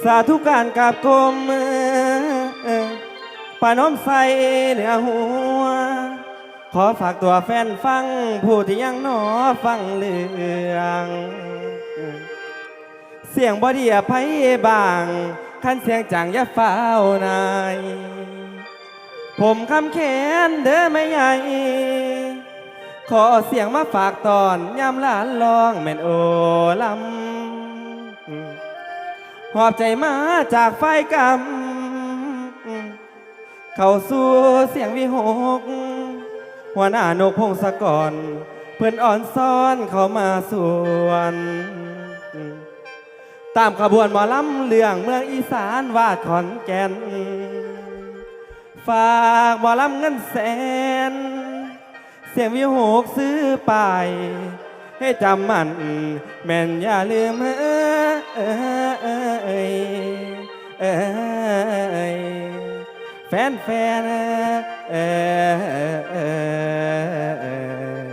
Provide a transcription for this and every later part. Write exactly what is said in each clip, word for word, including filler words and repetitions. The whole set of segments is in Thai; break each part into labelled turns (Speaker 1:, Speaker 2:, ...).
Speaker 1: สาธุการกราบกรมปาน้อมใส่เหนือหัวขอฝากตัวแฟนฟังผู้ที่ยังหนอฟังเรื่องเสียงบอดีอภัยบางคันเสียงจังอย่าเฝ้านายผมคำแขนเด้อไม่ใหญ่ขอเสียงมาฝากตอนยามหลานลองแม่นโอลำหอบใจมาจากไฟกำเข้าสู่เสียงวิหกหัวหน้านกพงศกรเพื่อนอ่อนซ้อนเข้ามาสวนตามขบวนหมอลำเรื่องเมืองอีสานวาดขอนแก่นฝากหมอลำเงินแสนเสียงวิหกซื้อไปให้จำมันแม่นอย่าลืมเอ้ยเอ้ยเอ้ยแฟนแฟนเอ้ย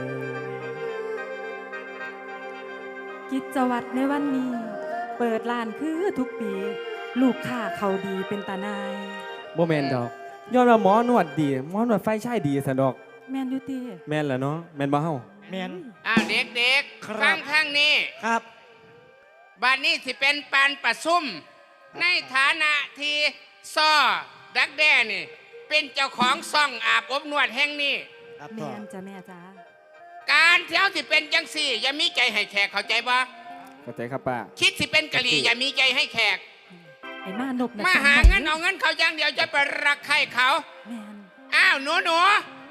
Speaker 2: กิจวัตรในวันนี้เปิดร้านคือทุกปีลูกค้าเขาดีเป็นตานาย
Speaker 1: โมเมนดอกย้อนว่าหมอนวดดีหมอนวดไฟใช่ดีสะดอก
Speaker 2: แมนยูตี
Speaker 1: แมนแหละเนาะแมนบ่เฮา
Speaker 3: แมน
Speaker 4: อ้าวเด็กๆฟังข้างนี้
Speaker 3: ครับ
Speaker 4: บัดนี้สิเป็นปานประซุ่มในฐานะที่ซ้อดักแด้นี่เป็นเจ้าของซ่องอาบอบนวดแห่งนี้
Speaker 2: แมนจ้ะแม่จ้า
Speaker 4: การเที่ยวสิเป็นจังสี่อย่ามีใจให้แขกเข้าใจบ่
Speaker 1: เข้าใจครับป้า
Speaker 4: คิดสิเป็นกะหรี่อย่ามีใจให้แขก
Speaker 2: ไอ้มานก
Speaker 4: มาหาเงินเอาเงินเขาอย่างเดียวจะไปรักใครเขา
Speaker 2: แมน
Speaker 4: อ้าวหนูหนู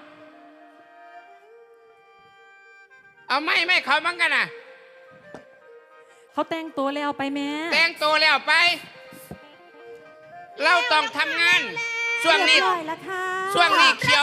Speaker 4: เอาไม่ไม่เขาบ้างกันนะ
Speaker 2: เขาแต่งตัวแล้วไปแม่
Speaker 4: แต่งตัวแล้วไปเราต้องทำงานช่วงนี้ช่วงนี้เขียว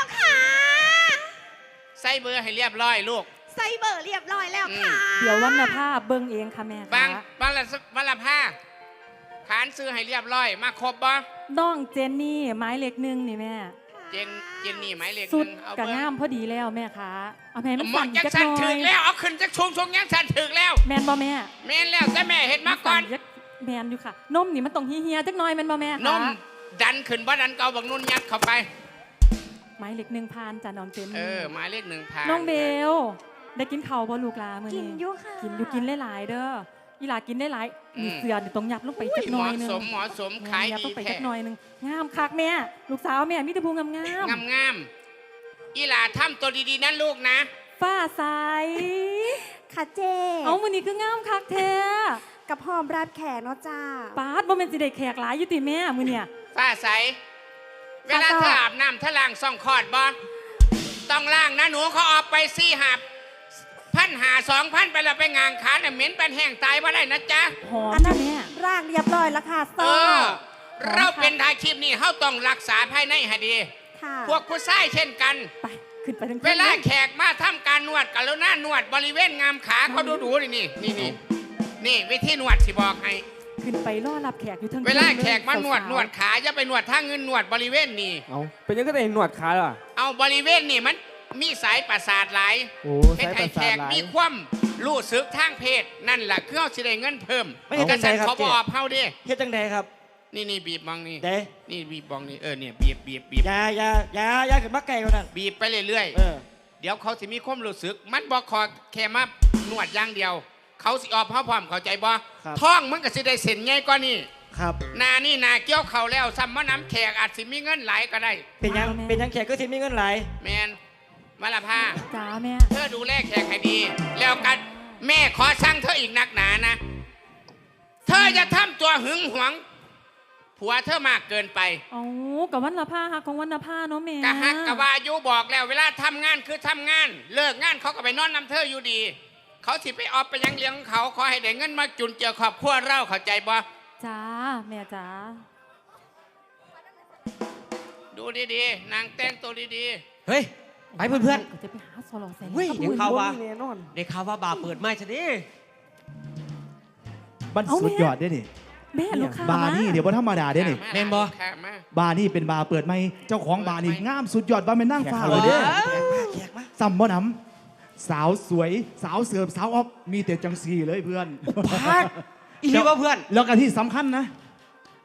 Speaker 4: ใส่เบอร์ให้เรียบร้อยลูก
Speaker 5: ใส่เบอร์เรียบร้อยแล้วค่ะ
Speaker 2: เดี๋ยววันละผ้าเบิ้งเองค่ะแม่
Speaker 4: บางวันละวันละผ้าขานซื้อให้เรียบร้อยมาครบบ่
Speaker 2: น้องเจนนี่ไม้เล็กนึงนี่แม่
Speaker 4: เจนเจนนี่ไม้เล็ก
Speaker 2: สุดกระง่ามพอดีแล้วแม่คะเอาแม่มันสั่นจักหน่อย
Speaker 4: ถึงแล้วเอาขึ้นจักชุงชุงยังสั่นถึงแล้ว
Speaker 2: แมนบ่แม่
Speaker 4: แมนแล้วแต่แม่เห็นมาก่อน
Speaker 2: แมนอยู่ค่ะนมนี่มันต้องเฮียๆจักหน่อยแมนบ่แม่
Speaker 4: นมดันขึ้นบ่ดันเกาบักนุ่นยัดเข้าไป
Speaker 2: ไม้เล็กหนึ่งพันจ้ะน้องเจน
Speaker 4: เออไม้เล็กหนึ่งพัน
Speaker 2: น้องเบลได้กินข้าวบ่ลูกลามื้อนี้
Speaker 5: กินอยู่ค่ะ
Speaker 2: กินอยู่กินหลายๆเด้ออีหลากินได้หลายมีเสือนี่ต้องยับลงไปจักหน่อยนึง
Speaker 4: เหมาะสมเหมาะสมขายดี
Speaker 2: แท้ยับลงไปจักหน่อยนึงงามคักแม่ลูกสาวแม่มีแต่พูงาม
Speaker 4: ๆงามๆอีหลาทำตัวดีๆนั่นลูกนะ
Speaker 2: ฟ้าใส
Speaker 5: ค่ะเจ
Speaker 2: เอามื้อนี้คืองามคักแท้
Speaker 5: กับหอมรับแขกเนาะจ้า
Speaker 2: ปาดบ่แม่นสิได้แขกหลายอยู่ติแม่มื้อเนี่ย
Speaker 4: ฟ้าใสเวลาเธออาบน้ำเธอล้างซ่องคอดบ่ต้องล้างนะหนูเขาออกไปซี่หับพันหาสองพันไปแล้วไปงานขาเนี่ยเหม็นเป็นแห้งตายว่าได้นะจ๊ะ
Speaker 2: อันนั้นแม่
Speaker 5: ร่างเรียบร้อยแล้วค่ะ
Speaker 4: เออเราเป็นทายคลิปนี้เขาต้องรักษาภายในให้ดีพวกผู้ชายเช่นกัน
Speaker 2: ไปขึ้นไป
Speaker 4: เวลาแขกมาทำการนวดกันแล้วหน้านวดบริเวณงามขาเขาดูดูนี่นี่นี่นี่นี่วิธีนวดสิบอกให้
Speaker 2: ขึ้นไปรอรับแขกอยู่ทั้ง
Speaker 4: เวลาแขกมานวดนวดขาอย่าไปนวดทางเงินนวดบริเวณนี่
Speaker 1: เอาเป็นยังก็ได้นวดขาล่ะ
Speaker 4: เอาบริเวณนี่มันมีสายประสาทหลายให้ไทยแขกมีความรู้สึกทางเพศนั่นแหละคือเขาสิได้เงินเพิ่ม
Speaker 3: ไม่ใช่จังไดครับ
Speaker 4: เขาบอกเฮาดิ
Speaker 3: เฮ็ดจังไดครับ
Speaker 4: นี่นี่บีบบองนี่
Speaker 3: เด้
Speaker 4: นี่บีบบองนี่เออเนี่ยบีบบีบบีบ
Speaker 3: อย่าอย่าอย่าอย่าขึ้นมาไกลกว่านั้น
Speaker 4: บีบไปเรื่อยๆเดี๋ยวเขาสิมีความรู้สึกมันบอกขอแค่มานวดอย่างเดียวเขาสิออกเฮาพร้อมเข้าใจบ่ท้องมันก็สิได้เส้นใหญ่กว่านี่
Speaker 3: ครับ
Speaker 4: นานี่นาเกี่ยวเข่าแล้วซ้ำมาน้ำแขกอาจสิมีเงินหลายก็ได้
Speaker 3: เป็นยังเป็นยังแขกก็สิมีเงินหลาย
Speaker 4: แมนมาละพา
Speaker 2: จ้าแม่
Speaker 4: เธอดูแลแขกให้ดีแล้วกันแม่ขอสั่งเธออีกนักหนานะเธอจะทำตัวหึงหวงผัวเธอมากเกินไป
Speaker 2: โอ้กับวันละผ้าฮักของวันละผ้าเนาะแม่
Speaker 4: กะฮักกะวายุบอกแล้วเวลาทำงานคือทำงานเลิกงานเขาก็ไปนอนน้ำเธออยู่ดีเขาสิไปออกไปยังเลี้ยงเขาขอให้ได้เงินมาจุนเจือครอบครัวเราเข้าใจบ่
Speaker 2: จ้าแม่จ้า
Speaker 4: ดูดีๆนางแต่งตัวดี
Speaker 3: ๆเฮ้ยไปเพื่อน
Speaker 2: ๆจะไปหาโซโลแซน
Speaker 3: เฮ้ยเดี๋ยวข่าวว่าเดี๋ยวข่าวว่าบาร์เปิดไม่ใช่ดิ
Speaker 6: มันสุดยอดได้ดิ
Speaker 2: แม่ลูกค้า
Speaker 6: บาร์นี่เดี๋ยวว่าธรรมดาได้ดิ
Speaker 4: แม่นบ่
Speaker 6: บาร์นี่เป็นบาร์เปิดไม่เจ้าของบาร์นี่งามสุดยอดว่าเป็นนั่งฟ้าเลยเด้ซ้ำบ่น้ำสาวสวยสาวเสิร์ฟสาวออฟมีแต่จังสีเลยเพื่อน
Speaker 3: พักอีกว่าเพื่อน
Speaker 6: แล้วกันที่สำคัญนะ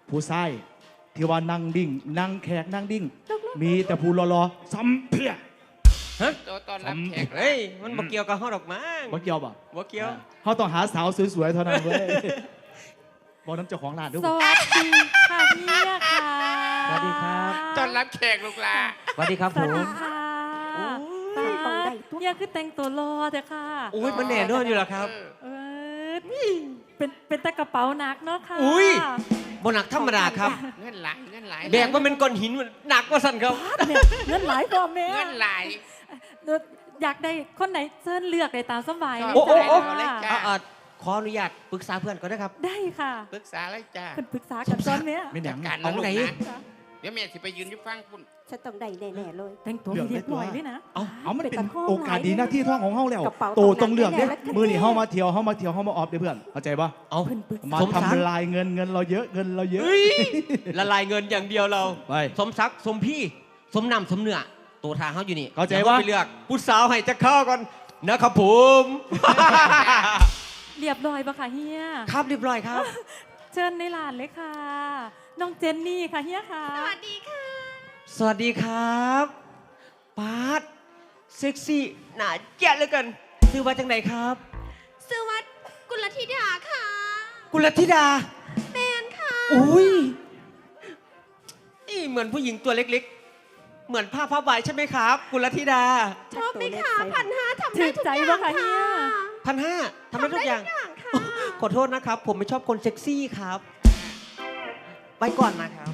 Speaker 6: ผู้ชายที่ว่านั่งดิ่งนั่งแขกนั่งดิ่ง มีแต่ผู้รอๆซ้ำเพี้ย
Speaker 4: ตัวตอนรับแขก
Speaker 3: เฮ้ย มันบ่เกี่ยวกับเฮาดอกมั้ง
Speaker 6: บ่เกี่ยวป่ะ
Speaker 3: บ่เกี่ยว
Speaker 6: เขาต้องหาสาวสวยๆเท่านั้นเว้ยบอกน้ำเจ้าของร้านด้วย
Speaker 2: สวัสดีค่ะเฮียค่ะ
Speaker 3: สวัสดีครับ
Speaker 4: ตอนรับแขกลูกหลา
Speaker 3: สวัสดีครับ
Speaker 2: ส
Speaker 3: ผ
Speaker 2: วัส
Speaker 3: ม
Speaker 2: ดีค่ะ
Speaker 5: โอ้ยต้องได้ทุก
Speaker 2: เฮียคือแต่งตัวรอเถอะค่ะ
Speaker 3: โอ้ยมันแน่นอนอยู่แล้วครับ
Speaker 2: เออเป็นเป็นตะกระเป๋าหนักเนาะค่ะ
Speaker 3: อุ้ย บ่หนักธรรมดาครับ
Speaker 4: เงินหลายเงินหลาย
Speaker 3: แบกว่าเป็นก้อนหินมันหนักกว่าสั่นครับ
Speaker 2: เนี่ยเงินหลายกว่าแม่
Speaker 4: เงินหลาย
Speaker 2: เดี๋ยวอยากได้คนไหนเชิญเลือกได้ตามสบายเลย
Speaker 3: โอ้โอ้โอ้
Speaker 2: จ้า
Speaker 4: จ้ะ
Speaker 3: อ่าขออนุญาตปรึกษาเพื่อนก่อนนะครับ
Speaker 2: ได้ค่ะ
Speaker 4: ปรึกษาเลยจ้า
Speaker 2: เป็นปรึกษากันตอนเนี้ย
Speaker 6: ไม่หนัง
Speaker 4: การ
Speaker 3: เอา
Speaker 4: นะลูก
Speaker 3: ไหน
Speaker 4: นะเดี๋ยวแม่สิไปยืนอยู่ฟังคุณ
Speaker 5: ฉันต้องได้แน่ๆเลย
Speaker 2: แต่งตัวให้เรียบร้อยด้วยนะ
Speaker 6: เอาเอามันเป็น
Speaker 5: เป็นตะข้อ
Speaker 6: โอกาสดีหน้าที่ท่องของเฮาแล้ว
Speaker 5: กระเป๋า
Speaker 6: โตต้องเลือกเด้
Speaker 5: ตรงนั้นแน่ๆแล้ว
Speaker 6: มือนี่เฮามาเที่ยวเฮามาเที่ยวเฮามาออฟเด้อเพื่อนเข้าใจปะ
Speaker 3: เอา
Speaker 2: เพิ่นปรึกษา
Speaker 6: มา
Speaker 3: สมศักดิ์
Speaker 6: ทำลายเงินเงินเราเยอะเงินเราเยอะ
Speaker 3: เฮ้ยละลายเงินอย่างเดียวเรา
Speaker 6: ไป
Speaker 3: สมศักดิ์สมพี่ สมนำสมเนื้อตัวทางเขาอยู่นี่
Speaker 6: เข้าใจ
Speaker 3: ดี๋ยว
Speaker 6: ปะ
Speaker 3: ไปเลือกผู้สาวให้จะเข้าก่อนนะครับผม
Speaker 2: เรียบร้อยปะค่ะเฮีย
Speaker 3: ครับเรียบร้อยครับ
Speaker 2: เชิญในร้านเลยค่ะ น้องเจนนี่ค่ะเฮียค่ะ
Speaker 5: สวัสดีค่ะ
Speaker 3: สวัสดีครับปาร์ตเซ็กซี่หนาแจ๊ดเหลือเกินชื่อว่าจังไหนครับ
Speaker 5: สวัสดีกุลธิดาค่ะ
Speaker 3: กุลธิดา
Speaker 5: แมนค่ะ
Speaker 3: อุ้ยนี่เหมือนผู้หญิงตัวเล็กๆ เหมือนผ้าผ้าใบใช่ไหมครับ กุลธิดา
Speaker 5: ชอบไหมคะพันห้าทำ
Speaker 2: ถื
Speaker 5: ได้
Speaker 2: อ
Speaker 5: ทุก
Speaker 2: ใจ
Speaker 5: อย่าง
Speaker 2: ปะคะเฮี
Speaker 5: ค่ะ
Speaker 2: ย
Speaker 3: พันห้าทำได้ทุกอย่าง
Speaker 5: ทำได้ทุกอย่างค่ะ
Speaker 3: ขอโทษนะครับ ผมไม่ชอบคนเซ็กซี่ครับ ไปก่อนนะครับ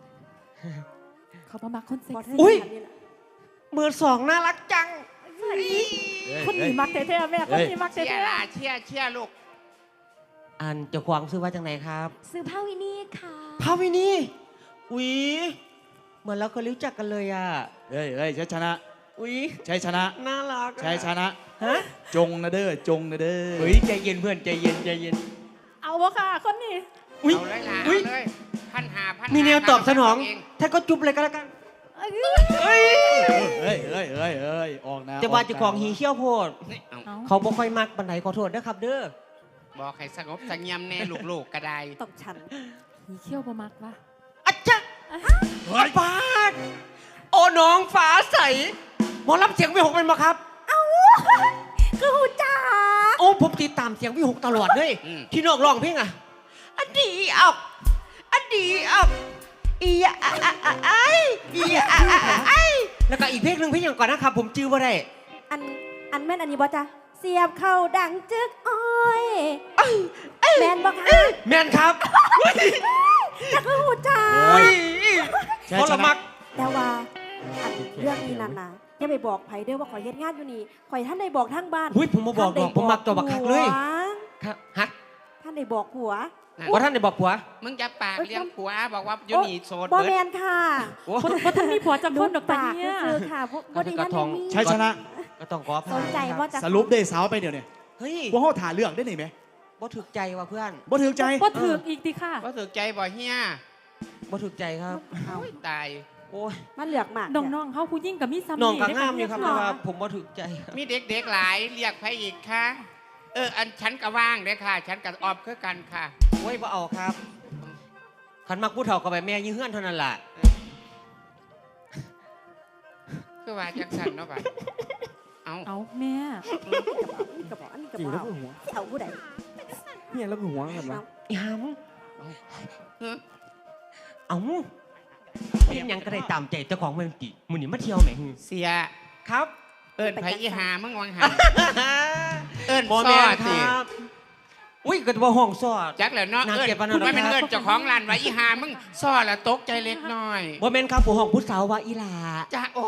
Speaker 2: เขาประมาคนเซ็ก
Speaker 5: บอส
Speaker 2: ซี่
Speaker 3: อุ๊ย มือสองน่ารักจัง
Speaker 2: คนหนีมักเท่ๆแม่คนหนีมัก
Speaker 4: เชีย
Speaker 2: เท่
Speaker 4: ร์ลาเชียร์เชียร์ลูก
Speaker 3: อันเจ้าของซื้อว่าจังไหนครับ
Speaker 5: ซื้อผ้าวินี่ค่ะ
Speaker 3: พาวินีอุ๊ยเหมือนเราเคยรู้จักกันเลยอ่ะ
Speaker 6: เฮ้ยเฮ้ยชัยชนะ
Speaker 3: อุ๊ย
Speaker 6: ชัยชนะ
Speaker 3: น่ารักอะ
Speaker 6: ชัยชนะ
Speaker 3: ฮะ
Speaker 6: จงนะเด้อจงนะเด้อ
Speaker 3: เฮ้ยใจเย็นเพื่อนใจเย็นใจเย็น
Speaker 2: ๆเอาวะค่ะคนนี้
Speaker 3: อุ๊ย
Speaker 4: เอาเลยล่ะ
Speaker 3: อุ๊
Speaker 4: เอา
Speaker 3: ย
Speaker 4: เลยพันหาพันหา
Speaker 3: มีแนวตอบสนอง
Speaker 4: เ
Speaker 3: ท่านก็จุ๊บเลยก็แล้วกันเฮ้ย
Speaker 6: เฮ้ยเฮ้ยเฮ้ยเฮ้ยออกนะ
Speaker 3: จะว่าเจ้าของหีเขี้ยวโพด
Speaker 4: นี่เอา
Speaker 2: เอา
Speaker 3: เขาบ่ค่อยมักปันไหนขอโทษนะครับเด้อ
Speaker 4: บอกให้สงบเสงี่ยมแน่ลูกๆก็ได้
Speaker 5: ตบฉัน
Speaker 2: หีเขี้ยวประมักวะ
Speaker 3: อาจารย์ปาดโอ้น้องฟ้าใสหมอรับเสียงวิหกเป็นมาครับ
Speaker 5: คือหูจ้า
Speaker 3: โอ้ผมติดตามเสียงวิหกตลอดเลย
Speaker 4: อืม
Speaker 3: ที่นอกร้องเพลงอ่ะอันดีออกอันดีออกอีอะอะอะอะไออีอะอะอะอะไอแล้วก็อีกเพลงหนึ่งเพลงอย่างก่อนนะครับ ผมจื้อว่าได้
Speaker 5: อันอันแม่นอันนี้บอจ้ะเสียบเข้าดังจึกอ้อยแมนบอกค่ะ
Speaker 3: แมนครับ
Speaker 5: จะคือหูจ้า
Speaker 3: เฮ้ย
Speaker 6: ชัย
Speaker 3: พอ
Speaker 6: ช
Speaker 3: ละ
Speaker 6: นะ
Speaker 3: มัก
Speaker 5: แต่ว่าอันเรื่องนี้นั่นนะอย่าไปบอกไผเด้อว่าข่อยเฮ็ดงานอยู่นี่ข่อยท่านได้บอกทั้งบ้าน
Speaker 3: หุ้ยผมมาบอกดอกผมมักตัวบักคักเลย
Speaker 5: หัว
Speaker 3: ครับฮะ
Speaker 5: ท่านได้บอกผัว
Speaker 3: ว่าท่านได้บอกผัว
Speaker 4: มึงจะปากเลี้ยงผัวบอกว่าอยูนี่โสด
Speaker 5: บอ
Speaker 4: เบิ
Speaker 5: แม
Speaker 4: ด
Speaker 5: นค่ะ
Speaker 3: โอ้
Speaker 2: คนคนท่านมีผัวจังคนดอกตา
Speaker 5: ปาก
Speaker 2: เฮีย
Speaker 5: คือค่ะพวกบดีนั่น
Speaker 3: กระทง
Speaker 5: นี่
Speaker 6: ชัยชนะ
Speaker 3: ก็ต้องขออภัย
Speaker 5: สนใจว่าจะ
Speaker 6: สรุปได้สาวไปเดี๋ยวนี้
Speaker 3: เฮ้ย
Speaker 6: ว่าเขาถ่าเลือกได้ไหนไหม
Speaker 3: บ่ถูกใจว่ะเพื่อน
Speaker 6: บ่ถือใจ
Speaker 2: ก็ถือกอีกดิค่ะ
Speaker 4: ก็ถือใจบ่เฮีย
Speaker 3: บ่ถูกใจครับ
Speaker 5: เอา
Speaker 4: โอ้ยตาย
Speaker 3: โอ้ย
Speaker 5: มาเลือกหมาก
Speaker 2: น้องๆเขาผู้ยิ่งกับมีซ้ำ
Speaker 3: น้องก็
Speaker 2: ได้
Speaker 3: งามอยู่ครับแต่
Speaker 2: เฮี
Speaker 3: ว่าผมบ่ถูกใจครับ
Speaker 4: มีเด็กๆหลายเรียกใครอีกคะเอออันฉันก็ว่างเด้อค่ะ ฉันกับออฟคือกันค่ะ
Speaker 3: โอ้ยบ่เอาครับขันมักผู้เฒ่ากับแบบแม่ยื้อเฮือนเท่านั้นล่ะ
Speaker 4: คือว่าจังสันเนาะบ่ะเอา
Speaker 2: เอาแม่
Speaker 5: กระบอกอันนี้กระบอกเอาผู้ใด
Speaker 1: เนี่ยแล้วก็หัวกันวะ
Speaker 3: อีหาม
Speaker 4: เฮ้อ
Speaker 3: เอ้าเพียงหยังก็ได้ตามใจเจ้าของเมืองติมื้อนี้มาเที่ยวแหม
Speaker 4: เสีย
Speaker 3: ครับ
Speaker 4: เอิญไผอีหามึงวังหัน เอิญ
Speaker 3: บ่
Speaker 4: ซ
Speaker 3: แม่
Speaker 4: อน
Speaker 3: ค
Speaker 4: สิ
Speaker 3: รับอุ้ยก็บ่ห้องซอด
Speaker 4: จักแล้วเนาะ
Speaker 3: น่า
Speaker 4: เอิญ
Speaker 3: เกลียดปานนั้นหรอ
Speaker 4: ไม่เป็น
Speaker 3: ครับ
Speaker 4: เอิญเจ้าของร้านไว้อีหามึงซอละตกใจเล็กน้อย
Speaker 3: บ่แม่นครับผู้ห้องผู้สาวว่าอีหลา
Speaker 4: จ้าโอ้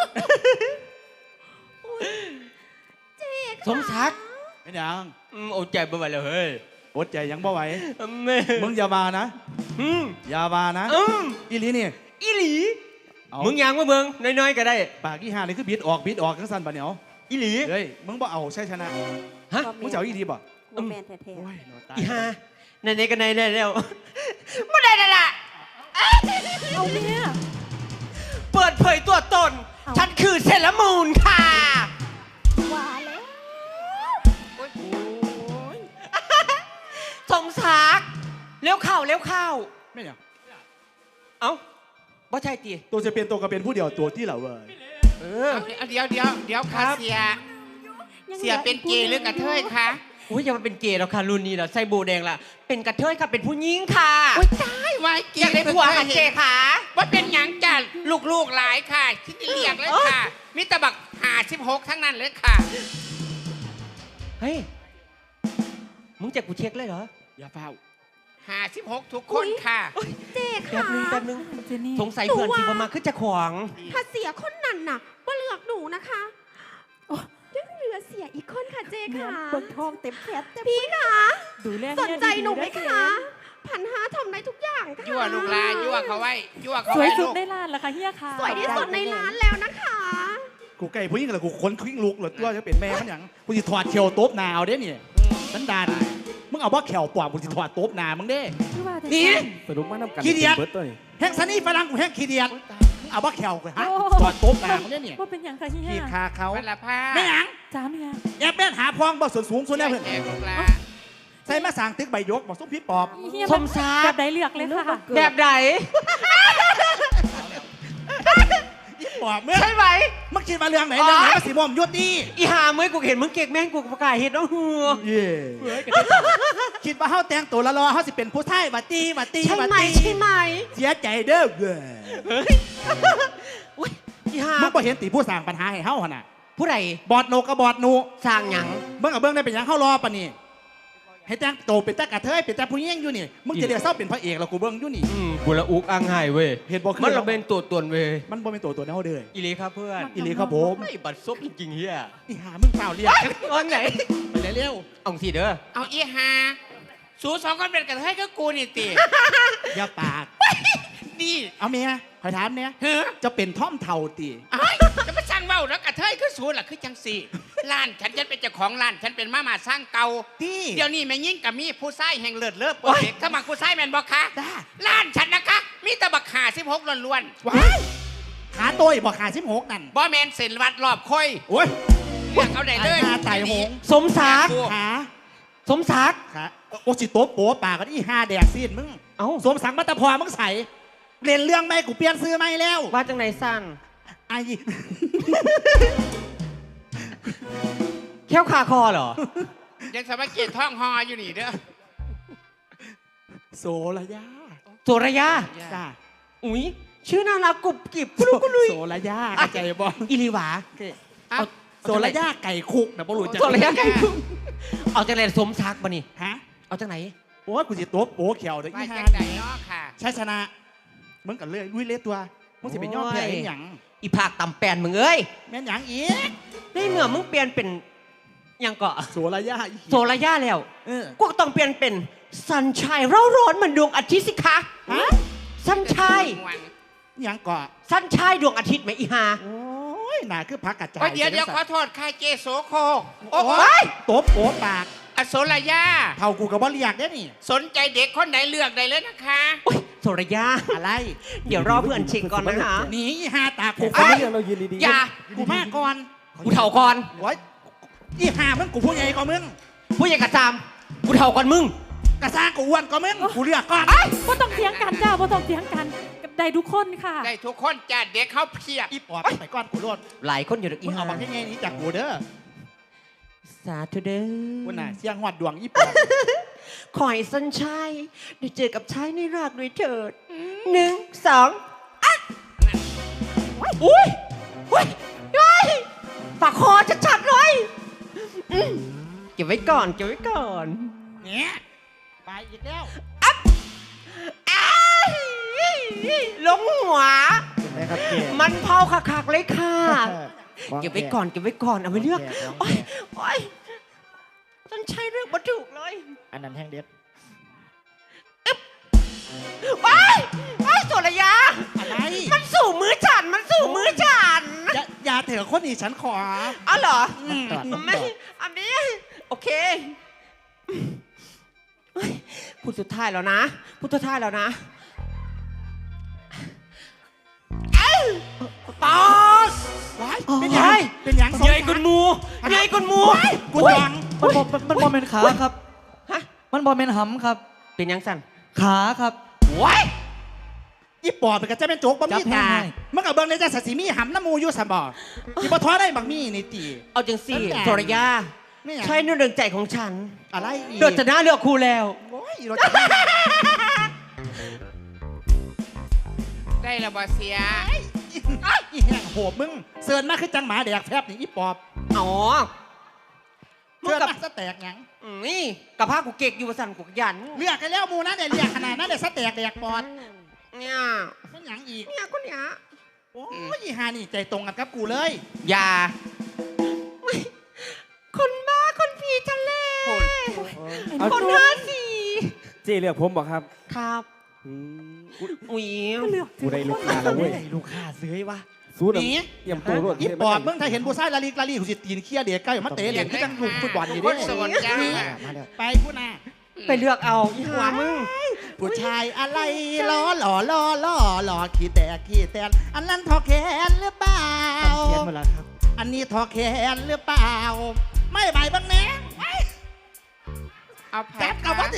Speaker 3: สมศักดิ์
Speaker 6: ไม่ยัง
Speaker 3: อืมอดใจบ่ไหวแล้วเฮ้ย
Speaker 6: อดใจยังบ่ไหว
Speaker 3: แม่
Speaker 6: มึงอย่ามานะ
Speaker 3: อืม
Speaker 6: อย่ามานะ
Speaker 3: อืม
Speaker 6: อีหลีนี่
Speaker 3: อีหลี
Speaker 6: เอา
Speaker 3: มึงยังมาเบิ่งน้อยๆก็ได้
Speaker 6: ปากอีห่านี่คือบิดออกบิดออกทั้งสั้นปะเหนียว
Speaker 3: อีหลี
Speaker 6: เฮ้ยมึงบ่เอาใช่ชนะ
Speaker 3: ฮะ
Speaker 6: มึงจะเอาอีดีบ่
Speaker 5: บ่แมนแท้
Speaker 6: โอ้ยหนอตาย
Speaker 3: อีห่าในๆก็ในได้แล้วบ่ได้แล้วล่ะ
Speaker 2: เอาแม่
Speaker 3: เปิดเผยตัวตน ฉันคือเซเลอรามูนค่ะ
Speaker 5: ๆว่าแล้ว
Speaker 4: โอ้ย
Speaker 3: สมศักดิ์เร็วเข้าเร็วเข้า
Speaker 6: ไม่ยัง
Speaker 3: เอ้าบ่ใช่ตี
Speaker 6: ตัวจะเป็นตัวก็เป็นผู้เดียวตัวที่เหล่าเว้ย
Speaker 3: เออ
Speaker 4: เอาเดี๋ยวเดี๋ยวเดี๋ยวค่ะเสีย เสียเป็นเกย์หรือกระเทยคะ
Speaker 3: อุ้ยอย่ามาเป็นเกย์แล้วค่ะรุ่นนี้แล้วใส่โบแดงละเป็นกระเทยค่ะเป็นผู้หญิงค่ะ
Speaker 4: โอ้ยตายไว้เก
Speaker 3: อยาก
Speaker 4: ย์
Speaker 3: ได้ผัวค่ะเจค่ะ
Speaker 4: ว่าเป็นหยังจ้ะลูกๆหลายค่ะที่เรียกเลยค่ะมิตรบักหาสิบหกทั้งนั้นเลยค่ะ
Speaker 3: เฮ้ยมึงจะกูเช็คเลยเหรอ
Speaker 6: อย่าเฝ้า
Speaker 4: หาสิบหกทุกคนค่ะ
Speaker 5: เจ๊
Speaker 3: แป๊
Speaker 5: ค่ะ
Speaker 3: บนึงแป๊บนึง
Speaker 2: เจนี่
Speaker 3: สงสัยเพื่อนที่มาขึ้นจะขวาง
Speaker 5: ถ้าเสียคนนั้นน่ะว่าเลือกหนูนะคะยังเหลือเสียอีกคนค่ะเจ๊ค่ะเบิกทองเต็มแขนเต็มพี่ค่ะ
Speaker 2: ดูแล
Speaker 5: สนใจหนูไหม
Speaker 2: เจ๊
Speaker 5: คะพันห้าทำได้ทุกอย่างค่ะ
Speaker 4: ยั่วลูกลายั่วเขาไว้ยั่วเขา
Speaker 2: สวย
Speaker 4: ไว้
Speaker 2: สุด
Speaker 4: ลูก
Speaker 2: ในร้านละค่ะเฮียค่ะ
Speaker 5: สวยที่สุดในร้านแล้วนะคะ
Speaker 6: กูใกล้ผู้หญิงแล้วกูค้นคลิ้งลุกเหรอตัวจะเป็นแม่มันหยังกูจะถอดเขียวโต๊บหนาเอาเด้เนี่ยสันดานมึงเอาว่าแขวปอบกูจะถอดโต๊บหนามึงเด้
Speaker 2: ชื่อว่าแต่
Speaker 6: นี่
Speaker 1: สรุปมานำกัน
Speaker 6: ขี้เดียด
Speaker 1: เบิดตัวนี้
Speaker 6: แห้งซันนี่ฝรั่งกูแห้งขี้เดียดมึงเอาว่าแขวกูฮะ
Speaker 2: โอ้
Speaker 6: ถอดโต๊บหนามึงเด้เนี่ย
Speaker 2: ว่าเป็นอย่างค่ะเฮี
Speaker 6: ขี้
Speaker 2: ย
Speaker 6: คาเขา
Speaker 4: วันละผ้า
Speaker 6: ไม่หยัง
Speaker 2: จ้าเมีย
Speaker 6: แอบแม่นหาพองบ่ส่วนสูงส่วนแน่เพื่อน
Speaker 4: แจกลูกลา
Speaker 6: ใส่มาสร้างตึกใบยกบอกส้มพี่ปอบ
Speaker 2: เฮีย
Speaker 3: สมซา
Speaker 2: แบบใดเลือกเลยค่ะ
Speaker 3: แบบไหน
Speaker 6: อีปอบเมื่อ
Speaker 3: ใช่ไหม
Speaker 6: มึงคิดมาเรื่องไหนเรื่องไหนมาสีม่วงยุดดี
Speaker 3: อีหาเมื่อกูเห็นมึงเก่งแม่งกูประกาศเห็นแล้วหัว
Speaker 6: เย่คิดว่าเฮาแต่งตัวละรอเฮาสิเป็นผู้ชายบัดตีบัดตี
Speaker 5: ใช่
Speaker 6: บัด
Speaker 5: ไหม
Speaker 6: ตี
Speaker 5: ใช่ไหม
Speaker 6: เสียใจเด้อเว้ย
Speaker 3: อุ้ยอีหา
Speaker 6: มึงบ่เห็นตีผู้สร้างปัญหาให้เฮาหั่นน่ะ
Speaker 3: ผู้ใด
Speaker 6: บอดโนกับบอดหนู
Speaker 3: สร้างหยัง
Speaker 6: เบิ่งกับเบิ่งได้เป็นหยังเฮารอปะนี่ให้แต่งโตวเป็นแต่กระเทยเป็นแต่ผู้หญิงอยู่นี่มึงจะเดี๋ยวเศร้าเป็นพระเอกแล้วกูเบิ่งอยู่นี่
Speaker 3: อืมกูละอุกอังไห้เว้ย
Speaker 6: เห็นบ่คือ
Speaker 3: มันเราเป็นตัวตนเว้ย
Speaker 6: มันบ่เป็นตัวตัวแนวเด้อ
Speaker 3: อีหลีครับเพื่อน
Speaker 6: อีหลีครับผม
Speaker 3: ไอ้บัตรซบจริงๆเฮีย
Speaker 6: อีหามึงเปล่าเรียก
Speaker 3: ตอนไหน
Speaker 6: ไปเร็ว
Speaker 3: เอาสิเด้อ
Speaker 4: เอาอีหาสูสองคนเป็นกระเทยก็กูนี่ติ
Speaker 6: ๆอย่าปาก
Speaker 4: นี่
Speaker 6: เอาเมียขอยถามเนี่ย
Speaker 4: เฮ้อ
Speaker 6: จะเป็นท่อมเท่าตี
Speaker 4: ไอ้ายจะมาสร้างเว้าแล้วกระเทยคือสูล่ะคือจังสี่ร้านฉันฉันเป็นเจ้าของร้านฉันเป็นมามาสร้างเก่า
Speaker 6: ตี้
Speaker 4: เดี๋ยวนี้แม่ยิ่งกับมีผู้ชายแห่งเลิศเลิศโปรเจกต์ถ้ามาผู้ชายแม่นบ่คะ
Speaker 6: จ้า
Speaker 4: ร้านฉันนะคะ มีแตะบักหาสิบหกล้วน
Speaker 6: ว้ายขาโตัวบอกขาสิบหกนั่น
Speaker 4: ๆบ่แมนเส้นวัดรอบค่อย
Speaker 6: โอ้ย
Speaker 4: เลือกเอาได้เลย
Speaker 6: หาไต่หง
Speaker 3: สมศักดิ์
Speaker 6: ขา
Speaker 3: สมศักดิ์
Speaker 6: ขาโอสิโต๊ะโป๊ปากกันอีห้าแดกซีนมึง
Speaker 3: เอ้า
Speaker 6: สวมสังมัตตพอมึงใส่เรียนเรื่องไม่กูเปลี่ยนซื้อไม่แล้ว
Speaker 3: ว่าจังไหนสั้น
Speaker 6: ไอ้
Speaker 3: แค่วคาคอเหรอ
Speaker 4: ยังสมัครเกียรติท่องฮออยู่นี่เด้อ
Speaker 6: โซระยา
Speaker 3: โสระยา
Speaker 6: จ้า
Speaker 3: อุ้ยชื่อน่ารักกรุบกริบกุลุกกุลุย
Speaker 6: โซระยาเข้าใจบ่
Speaker 3: อิริหวา
Speaker 4: เอา
Speaker 6: โซระยาไก่คุกนะบ่รู้จัก
Speaker 3: โสระยาไก่คุกเอาจังไหนสมศักดิ์บ่นี่
Speaker 6: ฮะ
Speaker 3: เอาจังไหน
Speaker 6: โอ้ยกูสิโต๊ะโป๊เขียวเด้อ
Speaker 4: ไป
Speaker 6: อีห้า
Speaker 4: จังใดเนาะค่ะ
Speaker 6: ใช่ชนะมึงกันเลยลุยเล็ตัวมึงสิเป็นยอดแพ้ให้หยัง
Speaker 3: อีภาคตำแปนมึงเอ้ย
Speaker 6: แม่นหยังอีก
Speaker 3: ในเมื่อมึงเปลี่ยนเป็นหยังเกาะ
Speaker 6: โซระยาอี
Speaker 3: โสระยาแล้ว
Speaker 6: เออ
Speaker 3: กูก็ต้องเปลี่ยนเป็นสันชัยเร่าร้อนเหมือนดวงอาทิตย์สิคะ
Speaker 6: ฮะ
Speaker 3: สันชัย
Speaker 6: หยังเกาะ
Speaker 3: สันชัยดวงอาทิตย์ไหมอีหา
Speaker 6: โอ้ยน่าคือพักกระจาย
Speaker 4: โอ้ยเดี๋ยวเดี๋ยวขอโทษค่ะเจโสโคก
Speaker 6: โอ้
Speaker 4: โอ้
Speaker 6: ยโต๊ะโป๊ปาก
Speaker 4: อโศรยา
Speaker 6: เท่ากูกับบ่เรียกได้นี่
Speaker 4: สนใจเด็กคนไหนเลือกได้เลยนะคะ
Speaker 3: โอ้ยโสระยา
Speaker 6: อะไร
Speaker 3: เดี๋ยวรอเพื่อนเช็คก่อนนะฮะ
Speaker 6: หนีอีห้าตา
Speaker 1: กู
Speaker 6: กู
Speaker 1: ฟั
Speaker 6: ไป
Speaker 1: งเรื่องเรายืนดีๆ
Speaker 3: อย่า
Speaker 6: กูมาก่อน
Speaker 3: กูเท่าก่อน
Speaker 6: โอ้ยอีห้ามึงกูผู้ใหญ่กว่ามึง
Speaker 3: ผู้ใหญ่กระจามกูเท่าก่อนมึง
Speaker 6: กระซ่างกูอ้วนกว่ามึงกูเรียกก่อน
Speaker 2: บ่ต้องเถียงกันจ้าบ่ต้องเถียงกันได้ทุกคนค่ะ
Speaker 4: ได้ทุกคนจ้าเด็กเขาเพียบ
Speaker 6: อีปอบไปก่อนกูรด
Speaker 3: หลายคนอยู่ดอกอี
Speaker 6: มึง
Speaker 3: หา
Speaker 6: เอาบางที่ไงนี้จากกูเด้อ
Speaker 3: สาธุเด้อ
Speaker 6: กูน่ะเสียงหอดดวงอีปอบ
Speaker 3: ขอให้สันชัยได้เจอกับชายในรากด้วยเถิดหนึ่งสองอ่ะอุ้ยอุ้ยอุ้ยปากคอชัดๆเลยอืมเก็บไว้ก่อนเก็บไว้ก่อน
Speaker 6: เนี่ยไปอีกแล้ว
Speaker 3: อ้ายลงหัว
Speaker 1: เห็นไหมครับเก
Speaker 3: มันเผาคักๆเลยค่ะ เก็บไว้ก่อนเก็บไว้ก่อนเอาไปเลือกโอ้ยโอ้ยต้นชัยเลือกมาถูกเลย
Speaker 1: อันนั้นแห้งเด็ด
Speaker 3: ว้ายว้ายโสระยา
Speaker 6: อะไร
Speaker 3: มันสู่มือฉันมันสู่มือฉัน
Speaker 6: อย่าอย่าเถอะคนนี้ฉันขอ
Speaker 3: อ๋อเหรอ
Speaker 6: อืม
Speaker 3: ไม่อันนี้โอเคเฮ้ยพูดสุดท้ายแล้วนะพูดสุดท้ายแล้วนะเอ้ยปอส
Speaker 6: ว้าย
Speaker 3: โอ้ย
Speaker 6: เป็นหยังเป็นหยัง
Speaker 3: ใหญ่กุนมูใหญ่กุนมู
Speaker 6: กูดัง
Speaker 7: มันบอมันบอเป็นขาครับ
Speaker 3: ฮะ
Speaker 7: มันบอเป็นหำครับ
Speaker 3: เป็นยังสั่น
Speaker 7: ขาครับ
Speaker 3: ว้าย
Speaker 6: อีปอบมันก็จะเป็นโจ๊กบะมี่ตามันกับเบิ้งในใจสัสีมีหำน้ำมูอยู่สมบ่ที่บ่ท้อได้บักมี่นี่ตี
Speaker 3: เอาจังสี่
Speaker 6: นั่นแหละ
Speaker 3: โทรยา
Speaker 6: ไม่อยาก
Speaker 3: ใช่เรื่องใจของฉัน
Speaker 6: อะไรอีก
Speaker 3: โดดจะน่าเลือกครูแล้ว
Speaker 6: โอ้ยเราจะ
Speaker 4: ได้ระบอเสีย
Speaker 6: อีแห้งโหบมึงเสิร์นมาคือจังหมาแดกแฟบนี่อีปอบ
Speaker 3: อ๋อมึง
Speaker 6: เสิร์น
Speaker 3: กับ
Speaker 6: มาสแตกหยัง
Speaker 3: อืมนี่กับผ้ากูเก็กอยู่สั่นกูยัน
Speaker 6: เลือกกันแล้วมูนะเนี่ยเรียกขนาดนั้นเดี๋ยวสแตกแดกปอด
Speaker 3: เนี่ย
Speaker 6: มันหยังอีก
Speaker 3: เนี่ยคนเนี้ย
Speaker 6: โอ้ยอีหานี่ใจตรงกันกับกูเลย
Speaker 3: อย่าคนบ้าคนผีทะเล
Speaker 1: เอา
Speaker 3: คนห้าสี่
Speaker 1: เจเลือกผมบอกครับ
Speaker 3: ครับ
Speaker 1: อืม
Speaker 3: อุ้ย
Speaker 1: กูได้ลูกค้าแล้วเว้ย
Speaker 6: ลูกค้าซื้อวะ
Speaker 1: สู้
Speaker 6: หนี
Speaker 1: น้ำเยี่ยมตัวรวด
Speaker 6: อีปอบมึงถ้าเห็นผู้ชายลาลีลาลีกูสิตีนเคี้ยเด็กใกล้มาเตะเหรียญที่จังหลุมฟุตบอลนี่
Speaker 4: ค
Speaker 6: เด้
Speaker 4: นโสดจ้า
Speaker 6: ไปพูดนะ
Speaker 3: ไปเลือกเอาอีหัวมึง
Speaker 6: ผู้ชายอะไรล้อหล่อล้อล้อหล่อขี้แตกขี้แตนอันนั้นทอแขนหรือเปล่า
Speaker 7: เขียนมาแล้วครับ
Speaker 6: อันนี้ทอแขนหรือเปล่า ไม่ใบบ้างแน่ไอ้
Speaker 4: เอาผั
Speaker 6: แจ๊บ
Speaker 4: ก
Speaker 6: เอาวะ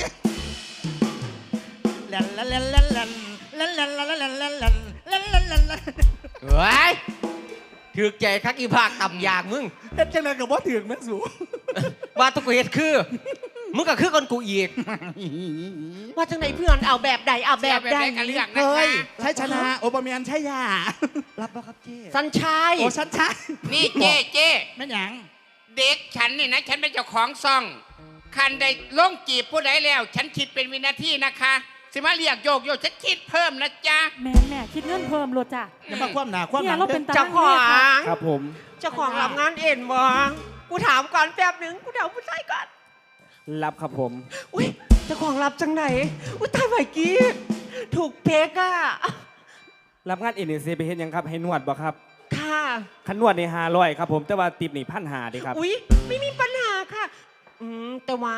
Speaker 4: ค่ะ
Speaker 6: ดิลันลันลันลันลันลันลันลันลันลันลันลันลันลันลัน
Speaker 3: เฮ้ยถือใจคักอีภาคต่ำยางมึง
Speaker 6: เฮ็ดจังเลยกับว่าถึงแม่สู
Speaker 3: ว่าตัวกูเฮ็ดคือ มึงก็คือคนกูอีก ว่าจังไหนเพื่อนเอาแบบใดเอาแบบใด
Speaker 4: กันเลือกนะ
Speaker 6: เฮ้ย
Speaker 4: คะ
Speaker 6: ใช่ชนะโอปเมียนใช่ยา
Speaker 7: รับป่ะครับเจ๊
Speaker 3: สัญชัย
Speaker 6: โอ้ฉันใช่
Speaker 4: นี่เจ๊เจ๊
Speaker 6: แม่หยัง
Speaker 4: เด็กฉันนี่นะ ฉันเป็นเจ้าของซ่อง คันได้ล่งจีบผู้ใดแล้ว ฉันคิดเป็นวินาทีนะคะ สิมาเรียกโยกโยกฉันคิดเพิ่มนะจ๊ะ
Speaker 2: แม่แม่คิดเงินเพิ่มโลดจ้ะ
Speaker 6: อย่ามาคว่ำหนาคว่ำห
Speaker 2: เนี่
Speaker 6: ลั
Speaker 2: ย
Speaker 6: ง
Speaker 2: เราเป็นตา
Speaker 3: เจ้าของ
Speaker 1: ครับผม
Speaker 3: เจ้าของรับงานเอ็นบ่กูถามก่อนแป๊บหนึ่งกูถามผู้ชายก่อน
Speaker 1: รับครับผม
Speaker 3: อุ้ยเจ้าของรับจังไหนอุ้ยตายไหวกี้ถูกเพกอะ
Speaker 1: รับงานเอ็นเอซีไปเห็นยังครับให้นวดบ่ครับ
Speaker 3: ค่ะ
Speaker 1: ขันนวดในห้าร้อยครับผมแต่ว่าติปนี่พันหาดีครับ
Speaker 3: อุ้ยไม่มีปัญหาค่ะ อืมแต่ว่า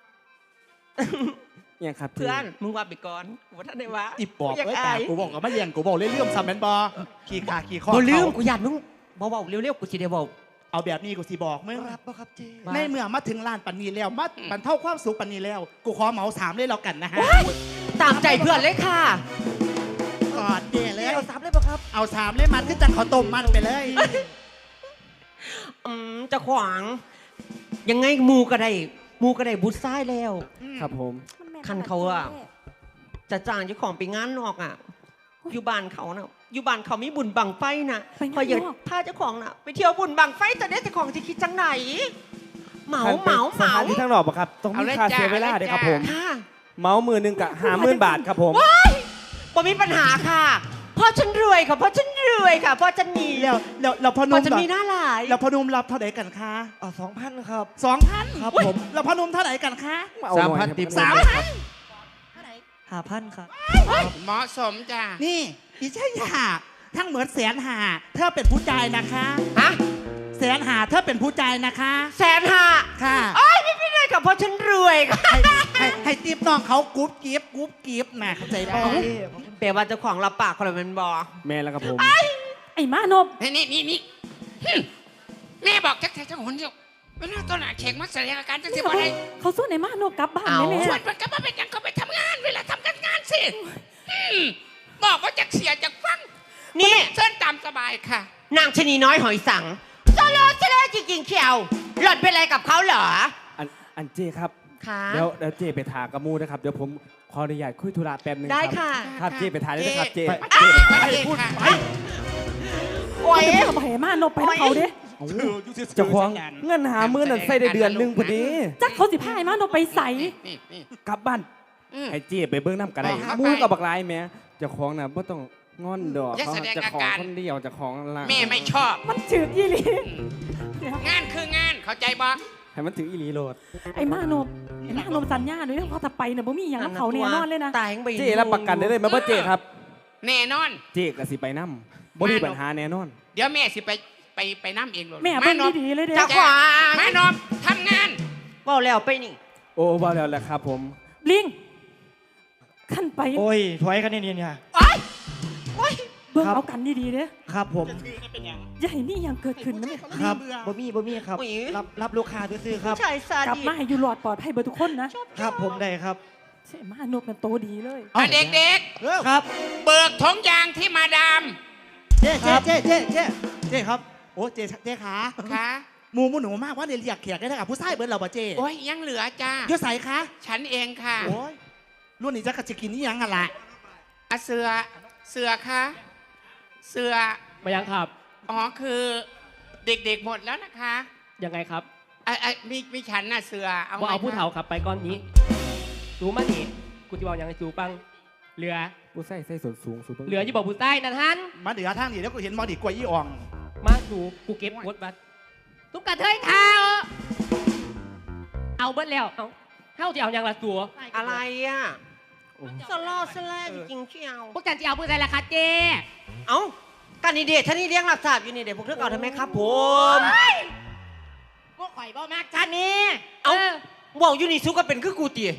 Speaker 1: ยังครับ
Speaker 3: เพื่อนมึงว่าไปก่อนว่าท่านได้วะ
Speaker 6: อีปอบ
Speaker 3: อยาก
Speaker 6: เอ้ย
Speaker 3: อา
Speaker 6: ตาย กูบอกกับมาเลี้ยงกูบอกเรื่อยๆซ้ำแมนบอขี่ขาขี่ข้อ
Speaker 3: บ่ลืม
Speaker 6: เขา
Speaker 3: กูอยากมึงเบาๆเร็วๆกูสิเดียวเบา
Speaker 6: เอาแบบนี้กูสิบอกมึง
Speaker 7: รับป่ะครับเจ๊
Speaker 6: ในเมื่อมาถึงลานปันนีแล้วมาบรรเทาความสุขปันนีแล้ว กูขอเหมาสามเลยแล้วกันนะฮะ
Speaker 3: ตามใจเพื่อนเลยค่ะ
Speaker 6: กอดเย่เลย
Speaker 7: เอาสามเลยป่ะครับ
Speaker 6: เอาสามเลยมันขึ้นจังขอต้มมันไปเลย
Speaker 3: อืมเจะขวาง ยังไงหมูก็ได้หมูก็ได้บุญซ้ายแล้ว
Speaker 1: ครับผม
Speaker 3: คันเขาอะจะจ้างเจ้าของไปงานนอกอ่ะ อยู่บ้านเขาน่ะอยู่บ้านเขามีบุญบังไฟน่ะ
Speaker 2: ไปงานนอก
Speaker 3: พออยากพาเจ้าของน่ะไปเที่ยวบุญบังไฟแต่เนี้ยเจ้าของจะคิดจังไหน เหมา
Speaker 1: คัน
Speaker 3: เห
Speaker 1: ป็น
Speaker 3: มา
Speaker 1: ส
Speaker 3: เหมา
Speaker 1: ถานที่ทั้งหนอกบ่ครับต้อง
Speaker 4: เอา
Speaker 1: มี
Speaker 4: เลย
Speaker 1: ค่า
Speaker 4: จ้ะ
Speaker 1: เสียเวลา
Speaker 4: เอาเลย
Speaker 1: เด้ครับ
Speaker 4: จ้ะ
Speaker 1: ผม
Speaker 3: ค่ะ
Speaker 1: เมาส์มือหนึงกะห้าหมื่นบาทครับผม
Speaker 3: บ่มีปัญหาค่ะเพราะฉันรวยค่ะเพราะฉันรวยค่ะเพราะฉันมี
Speaker 6: แล้วแล้วแล้วพอ
Speaker 3: เพ
Speaker 6: นุ่ม
Speaker 3: ราะฉันมีหน้าหลาย
Speaker 6: แล้วพอนุ่มรับเท่าไหร่กันคะ
Speaker 7: เอาสองพันครับ
Speaker 6: สองพัน
Speaker 7: ครับผม
Speaker 6: แล้วพอนุ่มเท่าไหร่กันคะ
Speaker 1: เอาหน่อย
Speaker 7: สามพันติป
Speaker 6: สามพัน
Speaker 7: ห้าพันครับ
Speaker 4: เหมาะสมจ้ะ
Speaker 6: นี่อีใช่ยาทั้งเหมือนแสนหาเธอเป็นผู้ใจายนะคะ
Speaker 3: ฮะ
Speaker 6: แสนหาเธอเป็นผู้ใจายนะคะ
Speaker 3: แสนห้า
Speaker 6: ค่ะ
Speaker 3: โอ้ยไม่เป็นไรค่ะเพราะฉันรวยค่ะ
Speaker 6: ให้ให้ให้ติปน้องเขากรุ๊ปกิฟต์กรุ๊ปกิฟต์นะเข้าใจป่ะ
Speaker 3: แปลว่าเจ้าของรับปากคนละเป็นบอ
Speaker 1: แม่แล้วครับผม
Speaker 2: ไอ้มานบ
Speaker 4: นี่นี่นี่นี่หึแม่บอกจักแท้จังหนเดียวเวลาตอนหน้าเข่งมาแสดงอาการจังสิบ่ได้
Speaker 2: เขาสู้ไอ้มานบกลับบ้านไหมแม่
Speaker 4: ชวนมันกลับมาเป็นหยังก็ไปทำงาน เวลาทำการงานสิอืมบอกว่าจะเสียจากฟัง
Speaker 3: นี่
Speaker 4: เส้นตามสบายค่ะ
Speaker 3: นางชะนีน้อยหอยสังเจริญเจริญจริงๆเขียวหล่อนเป็นอะไรกับเขาเหรอ
Speaker 1: อันอันเจครับ
Speaker 3: ค่ะ
Speaker 1: เดี๋ยวเดี๋ยวเจไปถากระมูนะครับเดี๋ยวผมขออนุญาตคุยธุระแป๊บนึง
Speaker 3: ได้
Speaker 1: รับ
Speaker 3: ค่ะ
Speaker 1: ครับเจไปถ่ายเลยนะครับเจ
Speaker 4: ไป
Speaker 1: เจ
Speaker 4: ไปพูดไป
Speaker 3: โอ้ย
Speaker 2: จะเอาไปให้มานบไปน้ำเขาเด้
Speaker 1: เอาเจะควงเงินหามือนั่นใส่ได้เดือนหนึงพอดี
Speaker 2: จักเขาสิพาไอ้มานบไปใส่
Speaker 4: นี่นี่
Speaker 1: กลับบ้าน
Speaker 4: อืม
Speaker 1: ให้เจไปเบิ้งน้ำกันได้
Speaker 4: เอาครับ
Speaker 1: มูกับบักลายแม่เจะของน่ะบ่ต้องงอนดอก
Speaker 4: อย่า
Speaker 1: เขา
Speaker 4: แสดง
Speaker 1: เจะ
Speaker 4: อา
Speaker 1: ของ
Speaker 4: การ
Speaker 1: คนเดียวเจะของละ
Speaker 4: แม่ไม่ชอบ
Speaker 2: มันจืดยี่หลี
Speaker 4: งานคืองานเข้าใจบ่
Speaker 1: ให้มันถึงอีหลีโลด
Speaker 2: ไอ้มานบไอ้มานบสัญญาด้วยว่าเขาจะไปเนี่ยบ่มีอย่างกับเขาแน่นอนเลยนะ
Speaker 3: ตายทั้งใบ
Speaker 1: เจรับประกันได้เลยไหมว่าเจครับ
Speaker 4: แน่นอน
Speaker 1: เจก็สิไปน้ำบ่มีปัญหาแน่นอน
Speaker 4: เดี๋ยวแม่สิไปไปไปน้ำเองเลย
Speaker 2: แม่เบิ่งดีๆเลยเด้
Speaker 3: เจ้าขวาง
Speaker 4: แม่นอมทำงาน
Speaker 3: บอกแล้วไปนี่
Speaker 1: โอ้บ่แล้วแหละครับผม
Speaker 2: ลิงขั้นไป
Speaker 7: โอ้ยถอยกันเนี่ยเนี่ย
Speaker 3: โอ๊ยโอ๊ย
Speaker 2: เบิ่ง
Speaker 7: ครับ
Speaker 2: เอากันดีๆเด้
Speaker 7: ครับผม
Speaker 2: อย่าให้นี่ยังเกิดขึ้นนะแม่
Speaker 7: ครับบ่มีบ่มีครับ รับรับลูกค้าซื้อๆครับ
Speaker 3: ผู้ชายซาก
Speaker 2: ลับ
Speaker 3: ดิ
Speaker 2: มาให้อยู่หลอดปลอดภัยเบอร์ทุกคนนะ
Speaker 7: ครับผมได้ครับ
Speaker 2: เสมานกเป็นโตดีเลย
Speaker 4: อ่ะเด็ก
Speaker 6: เออ
Speaker 7: ครับ
Speaker 4: ๆ เบิกถงยางที่มาดาม
Speaker 6: เจ๊เจ๊เจ๊เจ๊เจ๊เจ๊ครับโอ้เจ๊เจ๊ขา
Speaker 4: ค่ะ
Speaker 6: หมูหมูหนูมากว่าเดี๋ยวเรียกแขกได้กับผู้ชายเบิร์ดเราป่ะเจ๊
Speaker 4: โอ้ยยังเหลือจ้า
Speaker 6: เดี๋ยวใส่คะ
Speaker 4: ฉันเองค่ะ
Speaker 6: โอ้ยรุ่นนี้จะกระจะกินนี่ยังอะล่ะ
Speaker 4: อะเสือเสือคะเสือ
Speaker 8: มายังครับ
Speaker 4: อ๋อคือเด็กๆหมดแล้วนะคะ
Speaker 8: ยังไงครับ
Speaker 4: อ่ะอ่ะมีมีฉันน่ะเสือเอา
Speaker 8: ว่าเอา
Speaker 4: ไหม
Speaker 8: ผู้
Speaker 4: คะ
Speaker 8: เฒ่าขับไปก้อนนี้สูมานี่กูจะบอกยังไงสูปังเหลือ
Speaker 1: ผู้ใส่ใส่ส่วนสูงสูง
Speaker 8: เหลือที่บอกผู้ใต้นั่นฮัน
Speaker 6: มาเดี๋ยวทางนี้แล้วกูเห็นมอดีกว่ายี่อ่อง
Speaker 8: มาสูกูเก็บกดบัตรทุกกระเทยเท้าเอาเบิดแล้วเอาเท่าที่เอายังละตัว
Speaker 3: อะไรอ่ะสลอสแลจริงๆเชียว
Speaker 8: พวกจันจะเอาผู้ใดล่ะคะเจ๊
Speaker 3: เอ้ากันนี่เดชท่านนี่เลี้ยงหลับสาบอยู่นี่เดี๋ยวพวกเธอเอาทำไมครับผม
Speaker 8: พวกข่อยบ่มากจันนี่
Speaker 3: เอ้าบอกอยู่นี่ซุกก็เป็นคือกูตี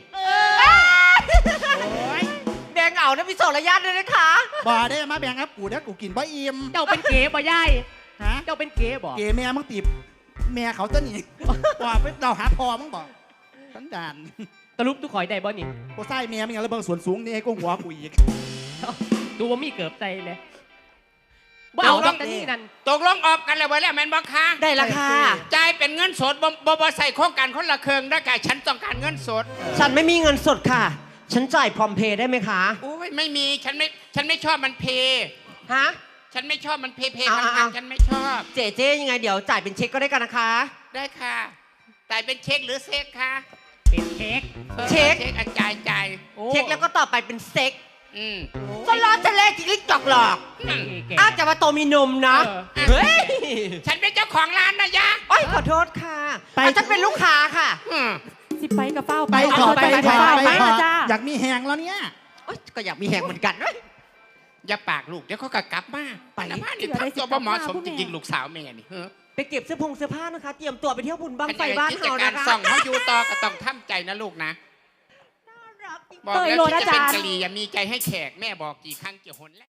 Speaker 3: แดงเอานะพี่สองระยะด้วยนะคะ
Speaker 6: บ่ได้มาแบ่งครับกูเดี๋ยวกูกินบ่อิ่ม
Speaker 8: เจ้าเป็นเก๋บ่ย่าย
Speaker 6: ฮะ
Speaker 8: เจ้าเป็นเก๋บ่
Speaker 6: เกแม่มึงตีบแม่เขาจะหนีว่าไปเราหาพอมึงบอกสันดาน
Speaker 8: ตะลุกทุกข่อยได้บ่นี่
Speaker 6: กูใส่แม่มึงอย่างระเบิดส่วนสูงนี่ให้กูหัวกูอีก
Speaker 8: ดูว่ามีเกือบใจเลยบ่เอาดอกแต่นี่นั่น
Speaker 4: ตกลงออกกันแล้วไว้แล้วแมนบอกค่ะ
Speaker 3: ได้ราคา
Speaker 4: จ่ายเป็นเงินสดบ่บ่บ่ใส่โครงการคนละเครื่องได้ไก่ฉันต้องการเงินสด
Speaker 3: ฉันไม่มีเงินสดค่ะ ฉันจ่ายพร้อมเพย์ได้ไหมคะ
Speaker 4: โอ้ยไม่มีฉันไม่ฉันไม่ชอบมันเพย์
Speaker 3: ฮะ
Speaker 4: ฉันไม่ชอบมันเพย์เพย์
Speaker 3: เอา
Speaker 4: พัน
Speaker 3: เอา
Speaker 4: ๆฉันไม่ชอบ
Speaker 3: เจ๊เจ๊ยังไงเดี๋ยวจ่ายเป็นเช็คก็ได้กันนะคะ
Speaker 4: ได้ค่ะจ่ายเป็นเช็คหรือเซ็กคะ
Speaker 8: เป็นเค้ก
Speaker 4: ออ
Speaker 3: เช็ค
Speaker 4: เช็คอ่ะจ่ายจ่าย
Speaker 8: โอ้
Speaker 3: เช็คแล้วก็ต่อไปเป็นเซ็ก
Speaker 4: อืม
Speaker 3: สลอสแลจริงๆจอกหลอก
Speaker 4: นั่น
Speaker 8: เก๋
Speaker 3: อาจจะว่าโตมีนมนะ
Speaker 8: เออ
Speaker 3: เฮ้ย
Speaker 4: ฉันเป็นเจ้าของร้านนะยะ
Speaker 3: โอ้ยขอโทษค่ะอาจจะเป็นลูกค้าค่ะ
Speaker 4: อืม
Speaker 2: สิไปกับเป้า
Speaker 6: ไปขอไป
Speaker 2: ไป
Speaker 6: ข
Speaker 2: กับ
Speaker 6: อ
Speaker 2: เป้า
Speaker 6: ไป
Speaker 2: ไป
Speaker 6: ขอ
Speaker 2: นะจ้า
Speaker 6: อยากมีแหงแล้วเนี่ย
Speaker 3: โอ๊ยก็อยากมีแหงเหมือนกันเว้ย
Speaker 4: อย่าปากลูกเดี๋ยวเขาก็กลับมาไปนะบ้านนี่ทำตัวบ่เหมาะสมจริงๆลูกสาวแม่นี่เฮ้อ
Speaker 3: ไปเก็บเสื้อผงเสื้อผ้านะคะ เตรียมตัวไปเที่ยวบุญบังไฟ
Speaker 4: เป็น
Speaker 3: บ้าน
Speaker 4: กิจ
Speaker 3: เฮา
Speaker 4: การ
Speaker 3: นะคะ
Speaker 4: ส่องเขาอยู่ต่อก็ต้องทำใจนะลูกนะบอก
Speaker 2: เตย
Speaker 4: แล้ว
Speaker 2: โล
Speaker 4: ที่
Speaker 2: นะ
Speaker 4: จะเป็น
Speaker 2: จ๊ะ
Speaker 4: กะหรี่อย่ามีใจให้แขกแม่บอกกี่ครั้งกี่หนแล้ว